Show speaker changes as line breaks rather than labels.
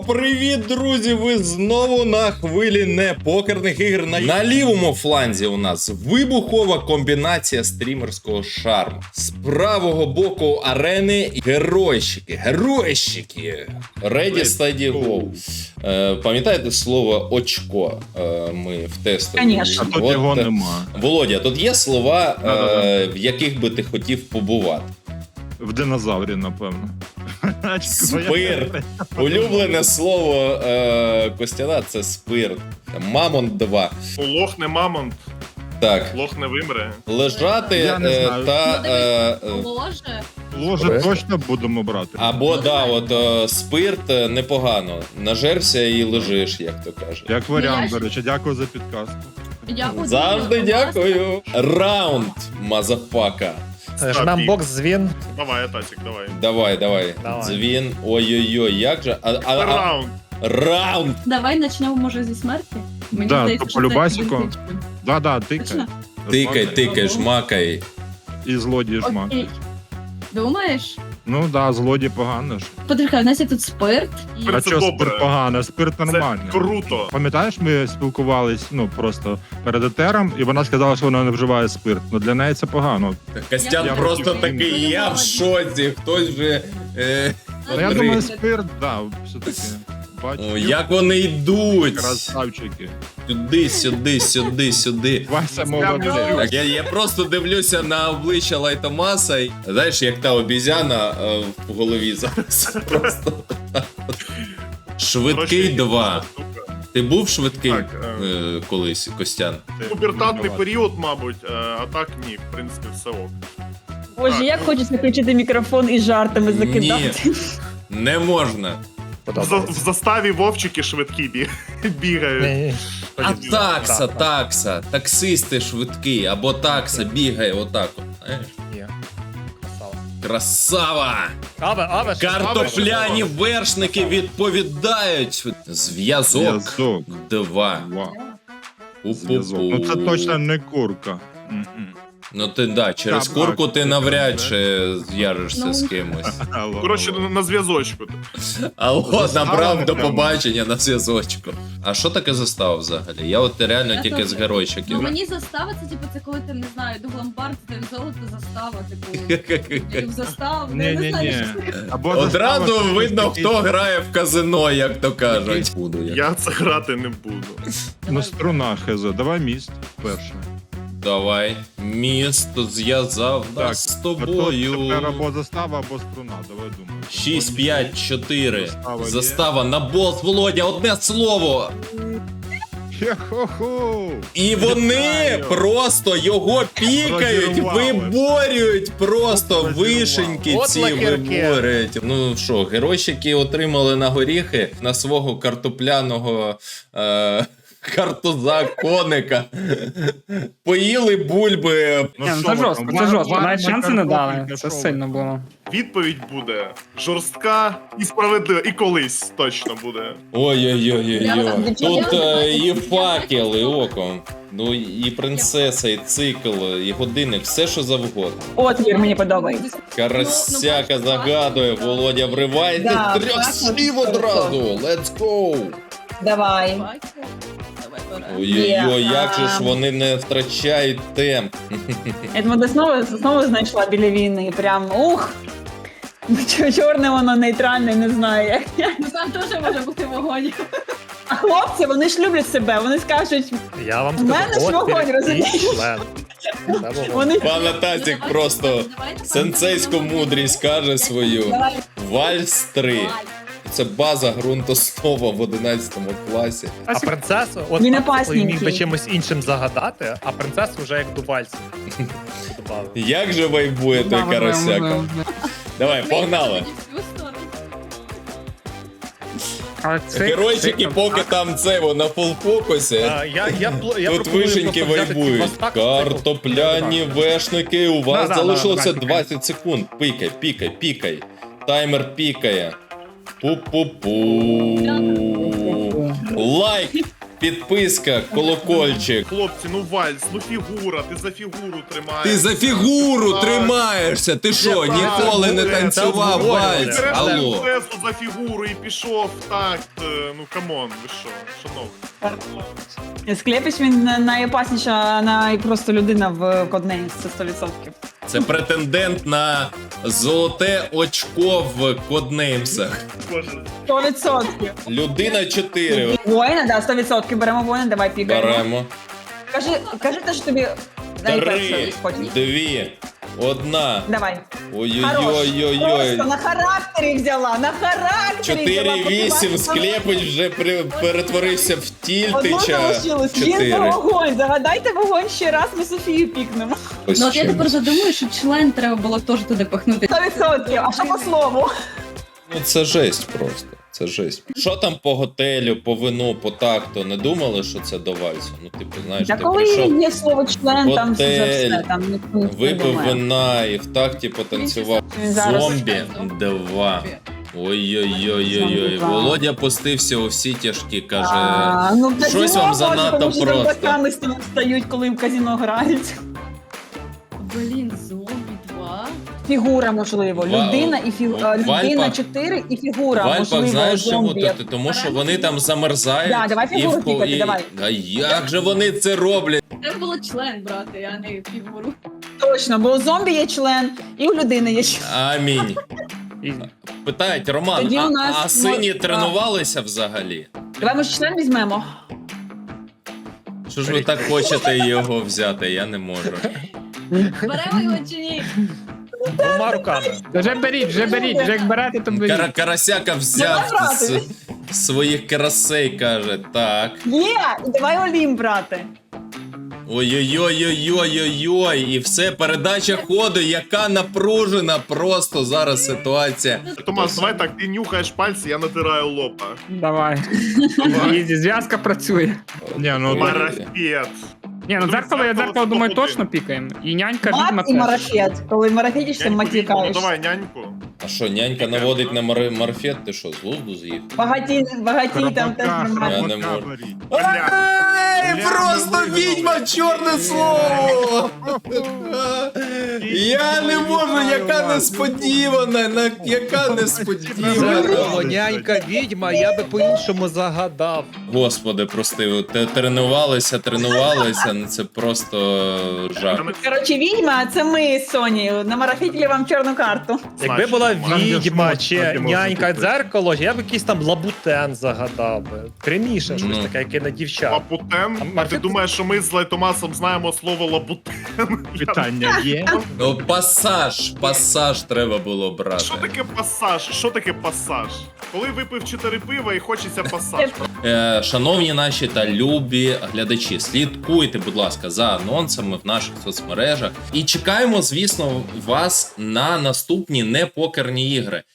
Привіт, друзі! Ви знову на хвилі непокерних ігр. На лівому фланзі у нас вибухова комбінація стрімерського шарму. З правого боку арени геройщики. Ready, steady, go. Пам'ятаєте слово очко? Ми в тестові.
Конечно.
А тут його нема.
Володя, тут є слова, в яких би ти хотів побувати.
В динозаврі, напевно.
Спирт. Улюблене слово Костяна – це спирт. Мамонт 2.
Лох не мамонт,
Так.
лох не вимре.
Лежати
Я не знаю.
та...
Ложе.
Ложе точно будемо брати.
або, да, от спирт непогано. Нажерся і лежиш, як то кажуть.
Як варіант, до речі, дякую за підказку.
Дякую.
Завжди дякую. Раунд, мазафака.
Жмем бокс, дзвін.
Давай, Атасік, давай.
Давай.
Давай.
Дзвін. Ой-ой-ой, як же.
Раунд.
Раунд.
Давай почнемо, може, зі смерті? Мені
Да,
здається,
по
що це
любасіку.
ідентично.
Да, тикай.
Точно?
Тикай, жмакай.
І злодій жмак.
Окей. Думаєш?
Ну да, злодій погано ж.
Почекай, у нас є тут спирт. І...
Спирт.
А
Це
що
добре.
спирт погано? Спирт
Це
нормальний.
круто.
Пам'ятаєш, ми спілкувались, просто перед етером, і вона сказала, що вона не вживає спирт. Ну для неї це погано.
Костян
Я
просто
хотів.
такий, я в шоці. Хтось вже...
Ну я
Три.
думаю, спирт, да, все-таки. Бачу.
О, як вони йдуть.
Красавчики.
Сюди.
Вася молодець.
Так, я просто дивлюся на обличчя Лайтомаса. І, знаєш, як та обізяна в голові зараз. Просто. Швидкий 2. Ти був швидкий
Так,
колись, Костян?
Пубертатний період, мабуть, а так ні, в принципі, все ок.
Боже, як хочеться включити мікрофон і жартами закидати.
Не можна.
В заставі вовчики швидкі бігають.
А такса. Таксисти швидкі, або такса бігає отак. От, знаєш? Красава!
Аве,
Картопляні вершники відповідають. Зв'язок
Зв'язок.
2.
Вау.
Пу-пу-пу.
Ну це точно не курка. Мгм.
Ну ти да, через
Так,
курку ти
так,
навряд
так.
чи зв'яжешся
Ну.
з кимось.
Коротше, на зв'язочку.
Алло,
Застава
набрав
не
до
прямо.
побачення на зв'язочку. А що таке застава взагалі? Я от реально
Я
тільки
теж.
з геройчиків.
Ну мені застава, це типу, це коли ти, не знаю, йду в ломбард, це золото застава, типу, йду в заставу, я не знаю,
Ні-ні-ні.
що це.
Або
Одразу
застава,
видно,
що
хто грає в казино, як то кажуть. Буду я.
Я це грати не буду.
Ну, струна хз. Давай міст перше.
Давай. Місто зв'язав нас з тобою.
Тепер або застава, або струна. Давай думай.
6, 5, 4.
Застава є.
Застава на болт, Володя, одне слово.
Хе-хо-хо!
І вони
Вітаю.
просто його пікають,
Розірвали.
виборюють, просто
Розірвали.
вишеньки
От
ці
лакірки.
виборюють. Ну що, геройщики отримали на горіхи на свого картопляного картуза коника. Поїли бульби.
Ну,
Ні,
що
це
ви
жорстко,
там?
це жорстко.
Варна
Навіть шанси не дали.
картопелька,
Це
що ви?
сильно було.
Відповідь буде жорстка і справедлива, і колись точно буде.
Ой-ой-ой-ой.
Я
Тут
там
і факел, і око. Ну і принцеса, і цикл, і годинник, все що завгодно.
Отвір мені подобається.
Карасяка загадує, Володя вривається
Да,
з трьох
так,
слів
от
одразу. Let's go!
Давай.
Давай, пора.
Ой-ой-ой,
Є,
як же ж
а.
вони не втрачають темп.
Я думаю, знову знайшла біля війни. Прям ух. Чорне воно нейтральне, не знаю як.
Ну там теж може бути вогонь.
А хлопці, вони ж люблять себе. Вони скажуть,
Я вам
В мене ж
скажу,
вогонь, розумієш? вони
Пане Тазік просто сенсейську мудрість каже свою.
Давай.
Вальс 3. Це база ґрунтоснова в 11 класі.
А принцесу, от
Він
Пацик
опасненький.
міг би чимось іншим загадати, а принцесу вже як до вальсу. Добавив.
Як же вайбує той карасяка? Давай, погнали. Геройчики, поки там це на фулфокусі.
Я
Тут
пропоную
вишеньки
просто взяти ці
вайбують.
мастак,
Картопляні вешники, у вас
Да,
залишилося
да.
20 секунд. Пікай. Таймер пікає. Пу-пу-пу. Лайк підписка, колокольчик.
Хлопці, ну вальс, ну фігура, ти за фігуру тримаєш.
Ти за фігуру тримаєшся. Ти що, ніколи не танцював вальс?
Береш
Алло.
принцесу за фігуру і пішов в такт. Ну камон, ви що, шановні.
Склепіч він найопасніша просто людина в Коднеймс, це 100%.
Це претендент на золоте очко в коднеймсах.
Боже.
100%.
Людина 4.
Воїна, да, 100%. Беремо воїна, давай пікаємо.
Беремо.
Кажи те, що тобі
3,
хочеш.
2, 1.
Давай.
Ой-ой-ой-ой-ой.
Просто на характері взяла, на характері взяла.
4-8, Склепич вже перетворився в
Одну
Тільтича.
залишилось. Жінка
4.
вогонь. Загадайте вогонь ще раз, ми Софію пікнемо.
Ну от я тепер задумую, що член треба було теж туди пихнути.
100%. А що по слову?
Ну це жесть просто. Це жесть. Що там по готелю, по вину, по такту? Не думали, що це до вальсу? Ну, типу, знаєш,
Та
ти
коли
прийшов,
є слово член, там вже
готель,
все, там ніхто не
випив
думає.
вина і в такті потанцював.
Він зараз-
Зомбі 2. Ой-ой-ой-ой-ой.
Зомбі
Володя пустився у всі тяжкі, каже.
Ну, в
щось
казино
вам
може,
занадто
тому що
просто.
рибаками стають, коли в казино грають.
Блін, зомбі 2.
Фігура, можливо. Людина і
в
людина
Альпах-
4 і фігура,
В Альпах
можливо,
знаєш чому?
зомбі.
Тому що вони там замерзають.
Да, давай фігуру пікати, давай.
А як же вони це роблять?
Треба було член брати, а не фігуру.
Точно, бо у зомбі є член, і у людини є член.
Амінь.
І
Питають, Роман,
Тоді у нас
а сині
мож-
тренувалися взагалі?
Давай, може, член візьмемо?
Що ж ви так хочете його взяти? Я не можу.
Беремо його чи ні?
двома руками.
Вже беріть, вже як берете, то беріть.
Карасяка взяв
Давай
з
брати.
своїх карасей, каже, так.
Є! І давай Олім брати.
Ой-ой-ой-ой-ой-ой-ой, і все, передача ходу, яка напружена просто зараз ситуація.
Томас, давай так, ти нюхаєш пальці, я натираю лоба.
Давай. Ізі, зв'язка працює.
Ні, ну так.
Марафет.
Ні, ну дзеркало, я дзеркало думаю, точно пікаємо. І нянька відьма
Мат і
теж.
марафет. Коли марафетишся,
Няньку відьму, ну
матікаєш.
давай няньку.
А що, нянька наводить на марфет, ти що, з глузду з'їв?
Багаті там теж нормально.
Я не можу.
Бля.
Ей, просто відьма, чорне слово! Я не можу, яка несподівана, яка несподівана.
Дзеркало, нянька, відьма, я би по-іншому загадав.
Господи, прости, тренувалися, ну це просто жах.
Коротше, відьма, а це ми з Сонією. Намарафітили вам чорну карту.
Якби була
Там є
відьма
шмот,
чи
так і можна
нянька
купити.
дзеркало, я б якийсь там лабутен загадав би. Пряміше щось
Ну.
таке, яке на дівчат.
Лабутен? А ти
Марафет-
думаєш, що ми з Лайтомасом знаємо слово лабутен?
Питання є.
Ну, пасаж треба було брати.
Що таке пасаж? Що таке пасаж? Коли випив 4 пива і хочеться пасаж.
Шановні наші та любі глядачі, слідкуйте, будь ласка, за анонсами в наших соцмережах. І чекаємо, звісно, вас на наступні непокерні ігри.